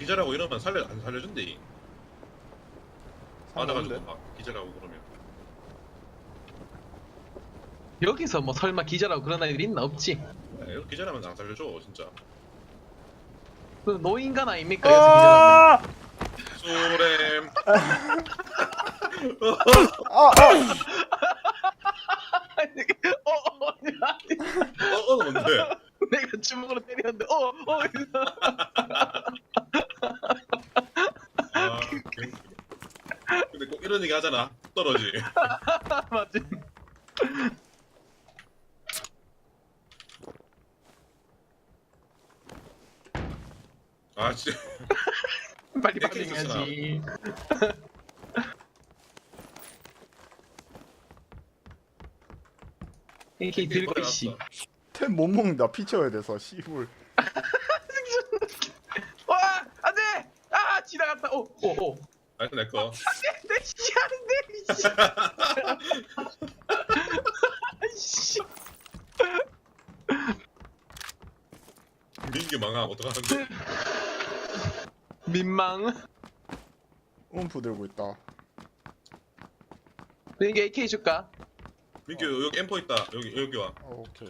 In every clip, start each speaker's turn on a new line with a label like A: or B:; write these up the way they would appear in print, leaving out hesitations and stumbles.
A: 기절하고 이러면 안 살려준대. 맞아가지고
B: 상관없는데?
A: 막 기절하고 그러면.
C: 여기서 뭐 설마 기절하고 그런 애들이 있나? 없지.
A: 네, 이렇게 기절하면 안 살려줘 진짜.
C: 그 노인간 아닙니까? 여기서 기절하면.
A: 소렘. 뭔데?
C: 내가 주먹으로 때렸는데
A: 아, 개웃기네. 근데 꼭 이런 얘기 하잖아. 떨어지.
C: 맞지.
A: 아, 진짜.
C: 빨리
A: AK
C: 반응해야지. AK 들고 씨.
B: 템 못 먹는다. 피 채워야 돼서 씨불.
C: 와 안돼. 아 지나갔다. 오.
A: 아, 내 거.
C: 내 씨알인데 씨.
A: 민규 망함 어떡하는데?
C: 민망.
B: 움프 들고 있다.
C: 민규 AK 줄까?
A: 민규 여기 엠퍼 있다. 여기 와.
B: 오케이.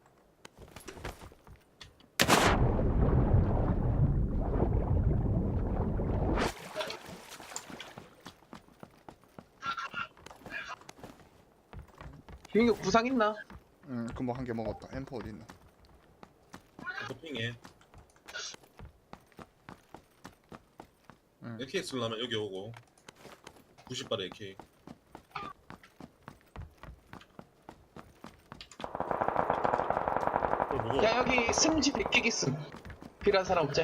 C: 민규 부상 있나?
B: 금방 한 개 먹었다. 엠퍼 어디 있나?
A: 토핑해.
B: 응.
A: AK 쓰려면 여기 오고. 90발에 AK. 그걸 보고.
C: 야 여기 승지 100개 있음. 필요한 사람 없지?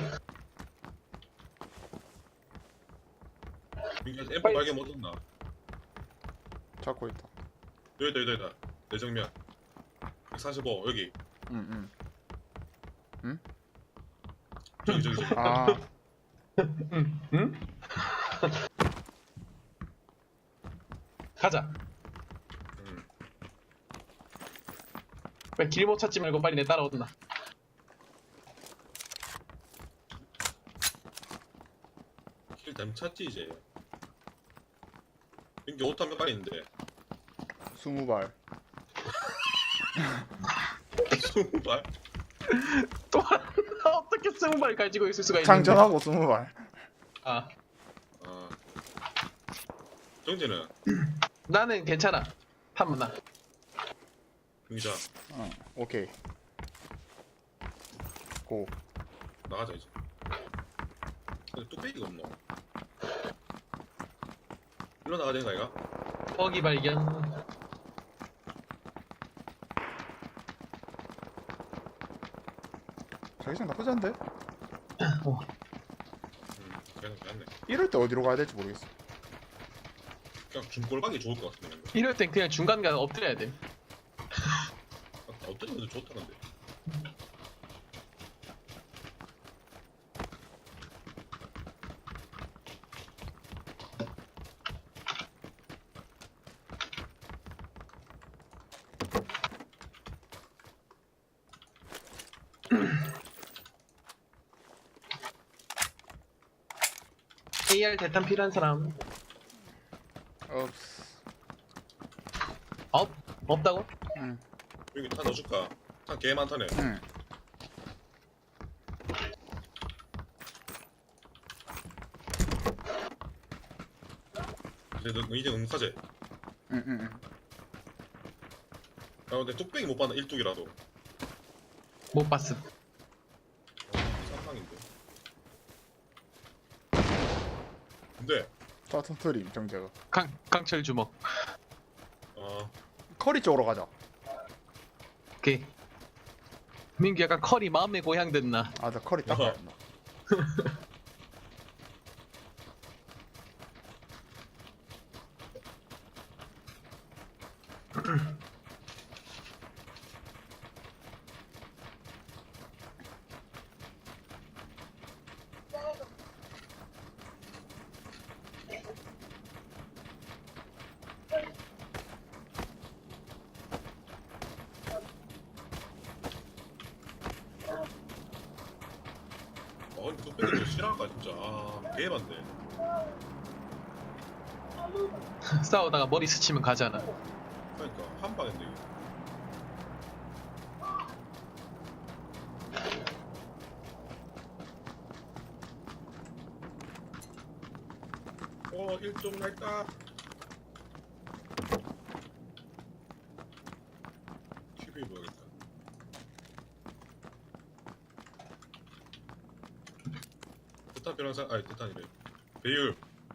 A: 민규 엠퍼
C: 빨리.
A: 발견 못 했나?
B: 잡고 있다.
A: 여기다. 내 정면. 145 여기.
B: 응.
A: 저기.
B: 아,
C: 응? 가자. 왜 길 못 찾지 말고 빨리 내 따라오든나.
A: 길 잘못 찾지 이제. 민규 옷 한 몇 발 있는데.
B: 20발.
A: 20발?
C: 또 어떻게 20발 가지고 있을 수가 있는데?
B: 장전하고 20발.
C: 아
A: 아. 정재는
C: 나는 괜찮아. 한번 나.
A: 민규자
B: 오케이. 고.
A: 나가자 이제. 근데 뚝배기가 없노. 일로 나가야 되는 거 아이가?
C: 거기 발견.
B: 자기장 나쁘지 않은데?
A: 괜찮네.
B: 이럴 때 어디로 가야 될지 모르겠어.
A: 그냥 중골박이 좋을 것 같은데.
C: 이럴 땐 그냥 중간 가서 엎드려야 돼.
A: 어떤 것도 좋다는데.
C: AR 대탄 필요한 사람.
B: 없어.
C: 없다고?
B: 응.
A: 여기 탄 넣어줄까? 탄 개 많다네.
B: 응.
A: 이제 너 이제 응사제.
B: 응.
A: 아 근데 뚝배기 못 봤나? 1뚝이라도.
C: 못 봤음.
A: 상상인데. 근데
B: 자, 터트림 정재가.
C: 강철 주먹.
B: 커리 쪽으로 가자.
C: 오케이. 민규 약간 컬이 마음의 고향 됐나?
B: 아, 나 커리 닦아야 했나?
A: 뚝배기 싫어. 시작할까 진짜. 아 개반대.
C: 싸우다가 머리 스치면 가잖아.
A: 그러니까 한 방인데 이거. 일종 날까? TV 보야겠다. 대탄 변호사 아니 대탄이래. 배율.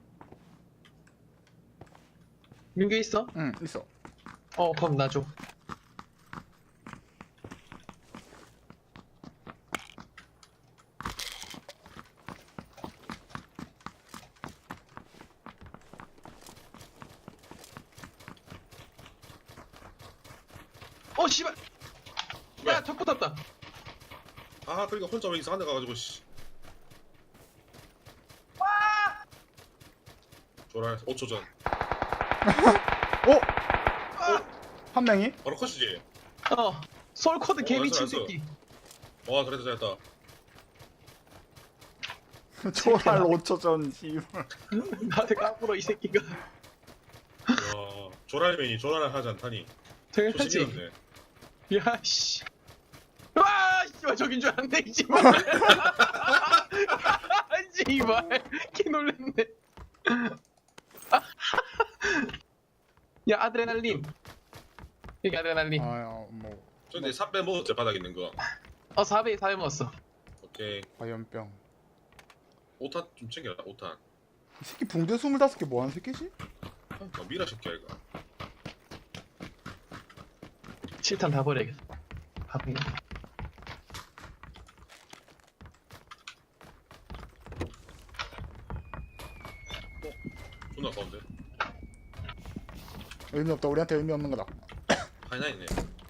C: 민규 있어?
B: 응 있어.
C: 그럼 나 줘. 씨발!
A: 왜?
C: 야, 적 붙었다.
A: 아 그러니까 혼자 왜 이상한 데 가가지고 씨. 조랄 5초 전.
B: 어? 한 명이?
A: 바로 컷이지.
C: 솔코드 개 미친
A: 알았어, 알았어.
C: 새끼.
A: 와 잘했다 잘했다.
B: 초랄 5초 전 씨발.
C: 나한테 까불어 이 새끼가.
A: 야 조랄맨이 조랄을 하지 않다니.
C: 당연하지.
A: 조심이었네.
C: 야, 씨. 와, 씨발, 저긴 줄 알았네, 이 씨발. 씨발, 개 놀랬네. 야, 아드레날린. 여기 아드레날린.
B: 뭐
A: 근데 삽 빼먹었지 바닥에 있는 거.
C: 4배 먹었어.
A: 오케이.
B: 과연병.
A: 5탄 좀 챙겨라 5탄.
B: 이 새끼 붕대 25개 뭐하는 새끼지?
A: 미라 새끼야 이거.
C: 7탄 다 버려야겠다. 다 버려.
A: 존나 가운데.
B: 의미 없다. 우리한테 의미 없는 거다.
A: 하이나 있네.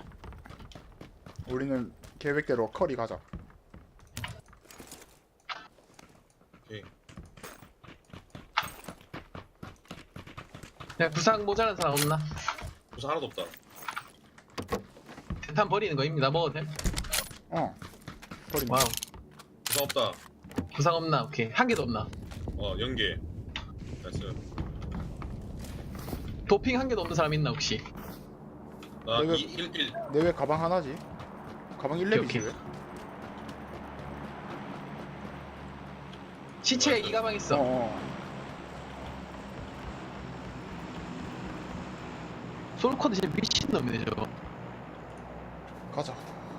B: 우리는 계획대로 커리 가자.
A: 오케이.
C: 야, 구상 모자란 사람 없나?
A: 우선 하나도 없다.
C: 대탄 버리는 거입니다. 먹어도 돼?
B: 커리.
C: 와우.
A: 우선 없다.
C: 구상 없나? 오케이. 한 개도 없나?
A: 연계. 나이스.
C: 도핑 한 개도 없는 사람 있나, 혹시?
A: 나
B: 내가-
A: 2, 1, 1.
B: 내 왜 가방 하나지? 가방 1렙이지
C: 오케이.
B: 왜?
C: 시체에 이 가방 있어. 솔코드 진짜 미친놈이네, 저거.
B: 가자.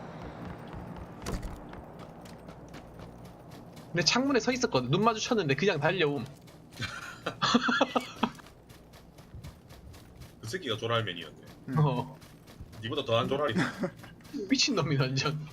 C: 근데 창문에 서 있었거든. 눈 마주쳤는데 그냥 달려옴.
A: 그 새끼가 조랄맨이었네.
C: 어.
A: 니보다 더한 조랄이.
C: 미친놈이 완전.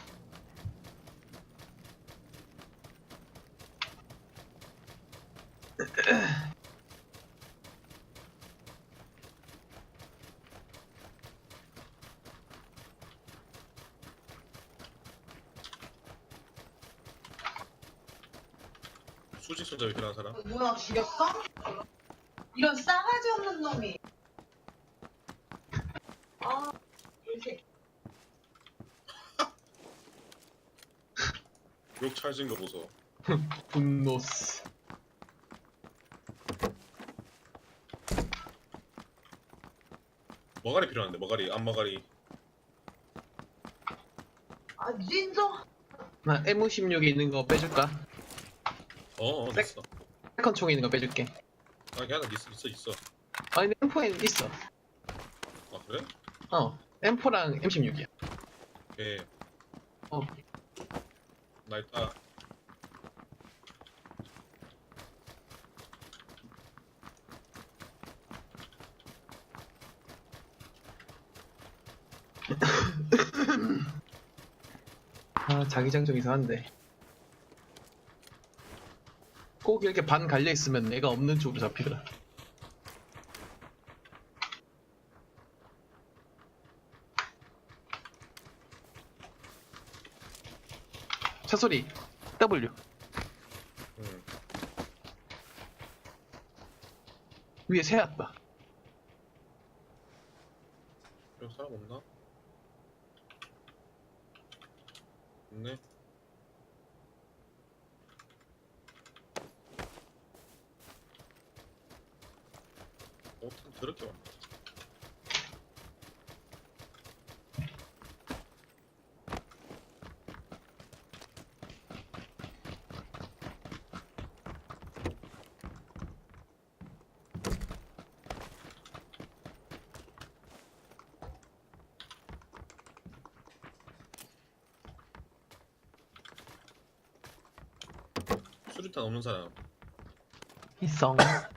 A: 수직 손잡이 필요한 사람?
D: 뭐야 죽였어? 이런 싸가지 없는 놈이. 아, 이렇게.
A: 욕 찰진 거 보소.
C: 분노스.
A: 머가리 필요한데 머가리 앞머가리.
D: 아, 진짜.
C: 나 M16에 있는 거 빼줄까?
A: 됐어.
C: 세컨 총에 있는 거 빼줄게.
A: 아 걔 하나 있어.
C: 아니, 근데 M4에는 있어.
A: 아 그래?
C: M4랑 M16이야.
A: 오케이.
C: 어.
A: 나 있다.
C: 자기장 좀 이상한데. 꼭 이렇게 반 갈려 있으면 내가 없는 쪽으로 잡히더라. 차 소리. W.
A: 응.
C: 위에 새 왔다.
A: 여기 사람 없나? 없네. 참 더럽게 왔네. 수류탄 없는 사람.
C: 희성.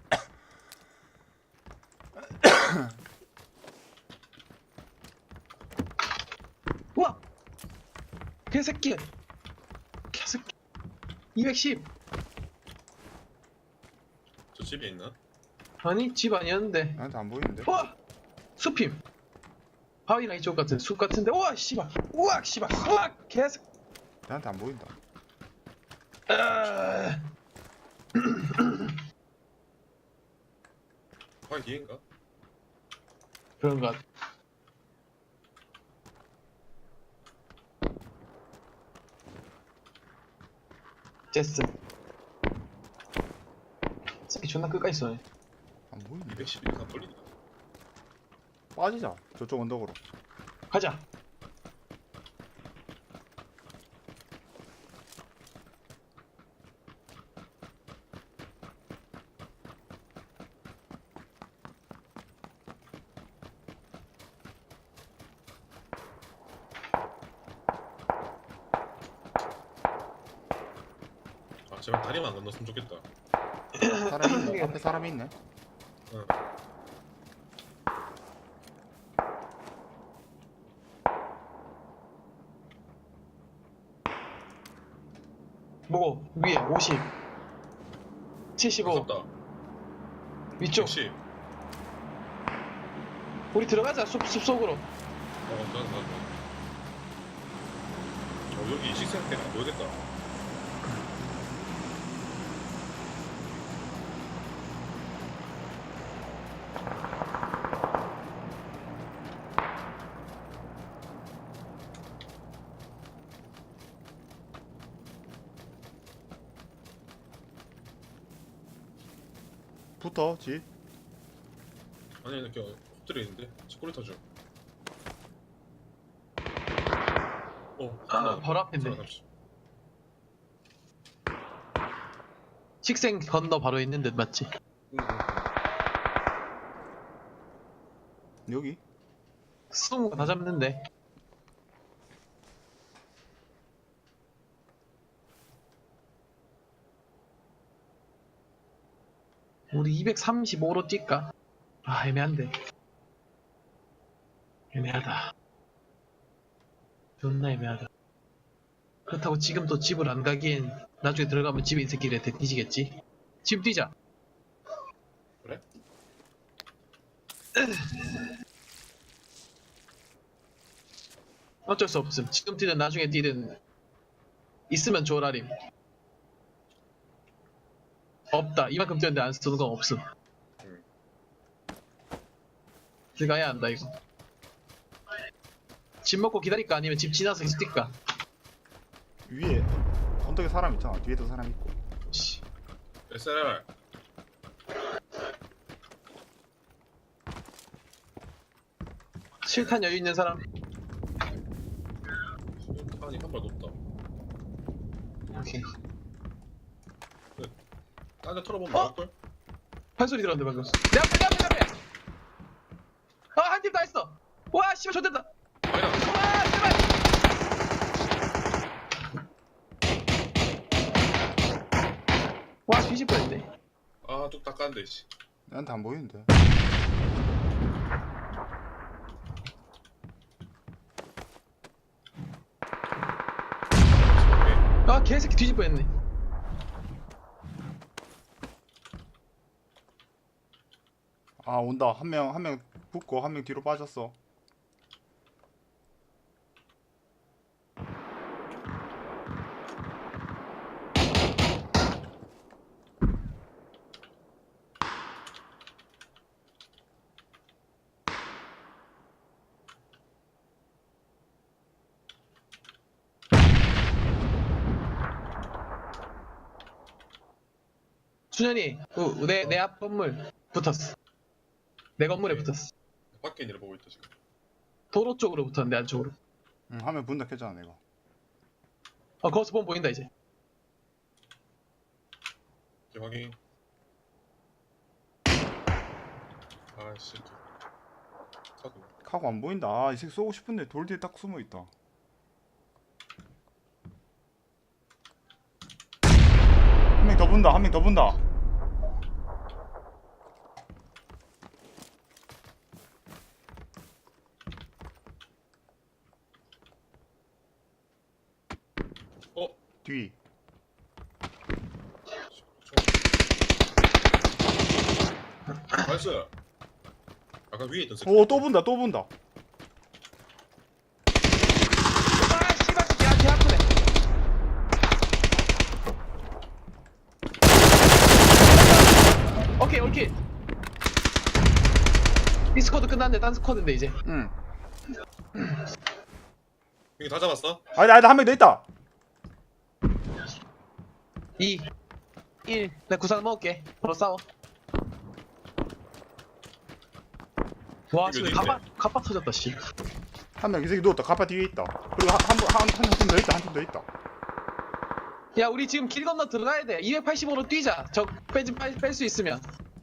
C: 우와! 개새끼! 개새끼! 210!
A: 저 집에 있나?
C: 아니 집 아니었는데.
B: 나한테 안 보이는데?
C: 우와! 숲임! 바위랑 이쪽 같은 숲 같은데. 우와 씨발! 우와 씨발! 우와 개새끼!
B: 나한테 안 보인다.
A: 바위 뒤인가?
C: 그런 것 같아. 제스. 새끼 존나 끝까지 쏘네.
B: 안 보이는데?
A: 211 다 걸리네.
B: 빠지자. 저쪽 언덕으로.
C: 가자.
A: 아 제발 다리만 안 건넜으면 좋겠다.
B: 사람이 있네. 앞에 사람이 있네.
A: 응.
C: 뭐고? 위에 50 75
A: 아깝다.
C: 위쪽
A: 110.
C: 우리 들어가자 숲속으로.
A: 나가. 여기 식생 때문에 안 보이겠다.
B: 붙어, 지.
A: 아니 이렇게 엎드려 있는데 치꼬리 터져.
C: 바로 앞인데. 식생 건너 바로 있는 듯 맞지?
B: 여기?
C: 숨은 거 다 잡는데. 우리 235로 뛸까? 아 애매한데. 애매하다. 존나 애매하다. 그렇다고 지금 또 집을 안 가기엔 나중에 들어가면 집에 이 새끼들한테 뒤지겠지? 지금 뛰자.
A: 그래?
C: 어쩔 수 없음. 지금 뛰든 나중에 뛰든 있으면 좋으라림. 없다. 이만큼 뛰었는데 안 쓰는 건 없음. 들어가야 한다 이거. 집 먹고 기다릴까 아니면 집 지나서 계속 뛸까?
B: 위에 언덕에 사람 있잖아. 뒤에도 사람 있고.
C: 씨.
A: SLR.
C: 실탄 여유 있는 사람.
A: 수류탄이 한 발 높다.
C: 오케이.
A: 딴데 털어보면
C: 어?
A: 나올걸?
C: 판소리 들었는데 방금. 내 앞에 내 앞에 내 앞에. 아 한 팀 다 했어. 와 씨발 좋됐다.
A: 아니다.
C: 와 제발. 와 뒤질 뻔했네.
A: 아 뚝 닦았는데 씨.
B: 나한테 안 보이는데.
C: 아 개새끼 뒤질 뻔했네.
B: 아, 온다. 한 명 붙고 한 명 뒤로 빠졌어.
C: 준현이 내 앞 건물 붙었어. 내 건물에 붙었어.
A: 밖에 있는 애 보고 있다 지금.
C: 도로 쪽으로 붙었는데 안쪽으로.
B: 응, 화면 분다 켰잖아 내가.
C: 거기서 보면 보인다 이제.
A: 오케이, 확인. 아씨. 카드.
B: 카고 안 보인다. 아, 이 새끼 쏘고 싶은데 돌 뒤에 딱 숨어 있다. 한 명 더 본다. 한 명 더 본다.
A: 어?
B: 뒤.
A: 나이스. 아까 위에 있던 새끼.
B: 오, 또 본다. 또 본다.
C: 아 씨발 개 아프네. 오케이 올킬. 이 스쿼드 끝났네. 딴 스쿼드인데 이제.
B: 응.
A: 이거 다 잡았어?
B: 아니다, 한 명 더 있다.
C: 2 1 내가 구상 먹을게. 바로 싸워. 와
A: 이거
C: 지금
A: 어디
C: 갑바 터졌다 씨.
B: 한 명 이 새끼 누웠다. 가파 뒤에 있다. 그리고 한팀 더 있다. 한 팀 더 있다.
C: 야 우리 지금 길 건너 들어가야 돼. 285로 뛰자. 저 뺄 수 있으면.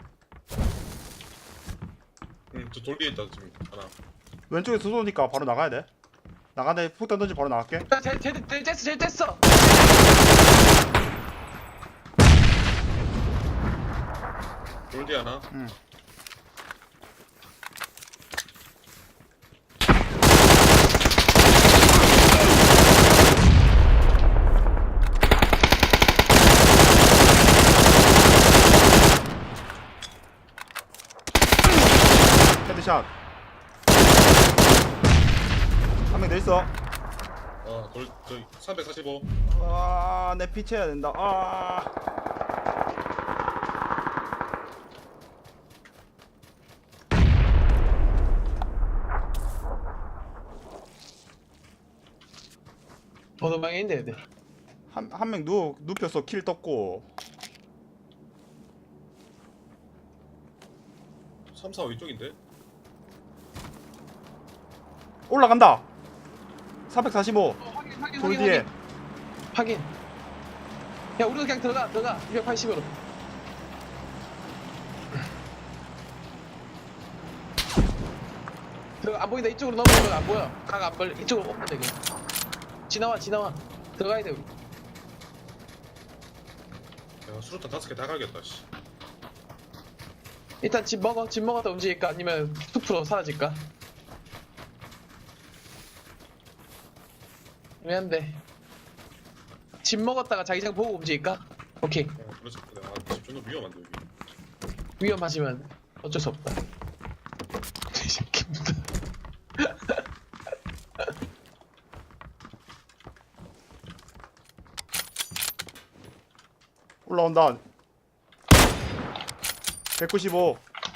A: 응, 저 돌 뒤에 있다 지금 하나.
B: 왼쪽에서 쏘니까 바로 나가야 돼. 나가는데 푹 던지 바로 나갈게.
C: 야 쟤 뗐어.
A: 돌 뒤에 하나.
B: 응. 헤드샷. 한 명 더 있어.
A: 저기 345.
B: 아, 내 피치해야 된다. 아.
C: 어느 방에 있는데 애들.
B: 한 명 눕혀서 킬 떴고.
A: 345 이쪽인데?
B: 올라간다. 445.
C: 확인
B: 돌 뒤에.
C: 확인. 야 우리도 그냥 들어가 280으로. 들어가. 안 보인다. 이쪽으로 넘어오면 안 보여. 각 안 벌. 이쪽으로 오면 돼 그냥. 지나와 들어가야 돼 우리.
A: 야, 수류탄 5개 다 갈겠다 씨.
C: 일단 집 먹었다 움직일까 아니면 숲으로 사라질까? 애매한데. 집 먹었다가 자기장 보고 움직일까? 오케이.
A: 그렇지. 아, 지금 존나 위험한데 여기.
C: 위험하지만 어쩔 수 없다. 이 새끼부터.
B: 올라온다. 195.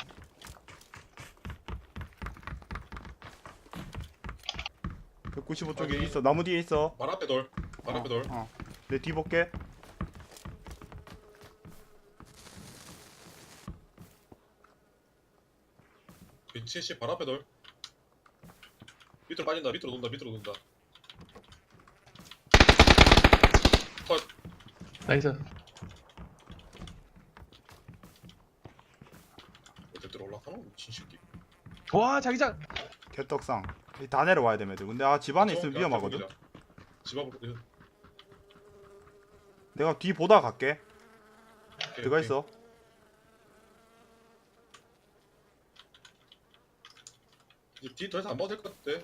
B: 쪽에 있어. 나무 뒤에 있어.
A: 말 앞에 돌. 말 앞에 돌.
B: 내 뒤 볼게.
A: B70 발 앞에 돌. 밑으로 빠진다. 밑으로 돈다. 컷.
C: 나이스.
A: 어디로 올라가노? 미친 새끼.
C: 와 자기장.
B: 개떡상. 다 내려와야 돼, 애들. 근데 집 안에 있으면 위험하거든.
A: 집 앞으로.
B: 내가 뒤 보다 갈게. 들어가 있어.
A: 이제 뒤 더 이상 안 봐도 될 것 같아.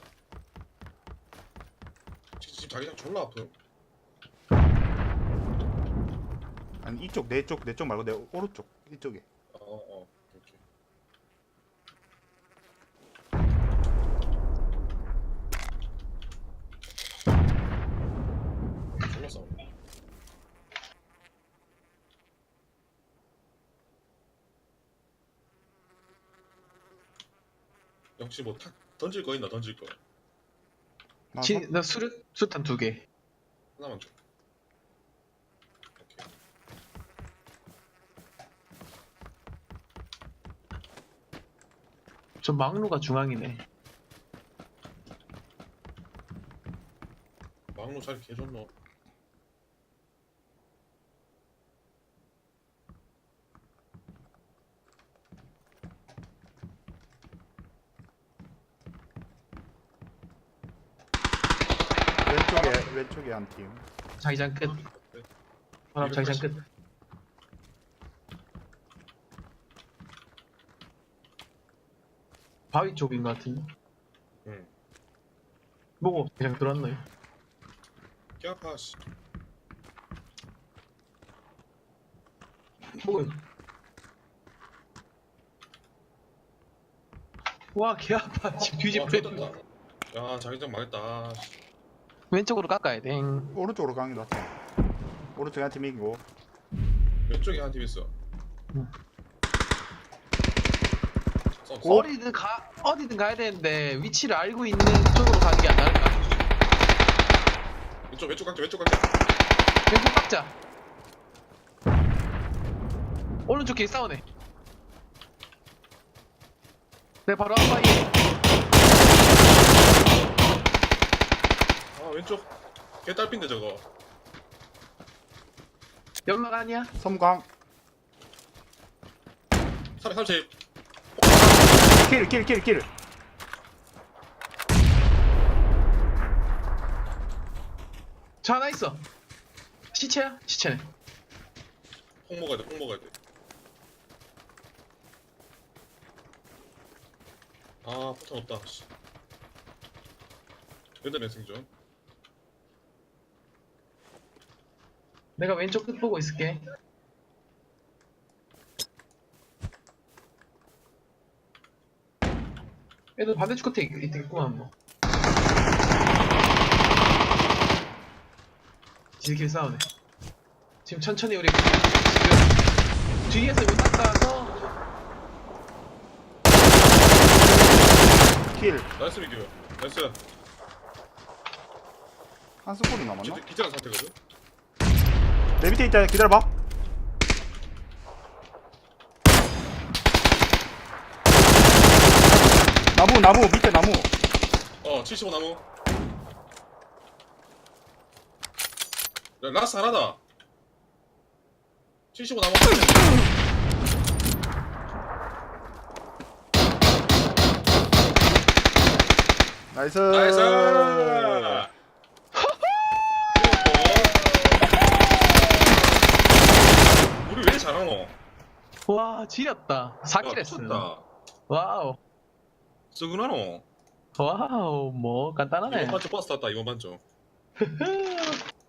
A: 지금 자기장 졸라 아파요.
B: 아니 이쪽 내 쪽 말고 내 오른쪽 이쪽에.
A: 오케이. 졸라 싸우네. 혹시 뭐 탁 던질 거 있나? 던질 거
B: 나
C: 나 수탄 2개.
A: 하나만 줘. 오케이.
C: 저 막루가 중앙이네.
A: 막로 자리 개좋노.
B: 왼쪽에 한 팀.
C: 자기장 끝. 바로 자기장 끝. 바위 쪽인 것 같은데.
A: 응.
C: 뭐고 자기장 들어왔나요?
A: 개 아파 씨.
C: 뭐고? 와, 개 아파. 지금 뒤집어.
A: 와, 쫓았다. 야 자기장 망했다. 씨.
C: 왼쪽으로 깎아야 돼.
B: 오른쪽으로 가는 게 낫다. 오른쪽에 한 팀 이기고.
A: 왼쪽에 한 팀 있어.
C: 응.
A: 싸움,
B: 오.
C: 어디든 가야 되는데 위치를 알고 있는 쪽으로 가는 게 안 나을까?
A: 왼쪽 갈게 왼쪽 갈게.
C: 왼쪽 깎자. 오른쪽 길 싸우네. 내 바로 앞바위.
A: 아 왼쪽 개딸핀데 저거.
C: 연막 아니야?
B: 섬광.
A: 330.
B: 킬.
C: 저 하나 있어. 시체야? 시체네.
A: 폭 먹어야 돼폭 먹어야 돼. 아 포탄 없다. 씨. 얘들의 생존.
C: 내가 왼쪽 끝 보고 있을게. 얘들 반대쪽 끝에 있겠구만 뭐. 지들끼리 싸우네. 지금 천천히 우리 지금 뒤에서 문 닦아서
B: 킬.
A: 나이스 미규. 나이스.
B: 한 스포리 남았나?
A: 기절한 상태거든.
B: 내 밑에 있다. 기다려봐. 나무 밑에 나무.
A: 75 나무. 야, 라스 하나다. 75 나무.
B: 나이스.
A: 나이스. 우리 왜 잘하노?
C: 와 지렸다. 4킬 했어.
A: 미쳤다.
C: 와우.
A: 쓰구나노.
C: 와우 뭐 간단하네.
A: 이번 반쪽 버스 탔다 이번 반쪽.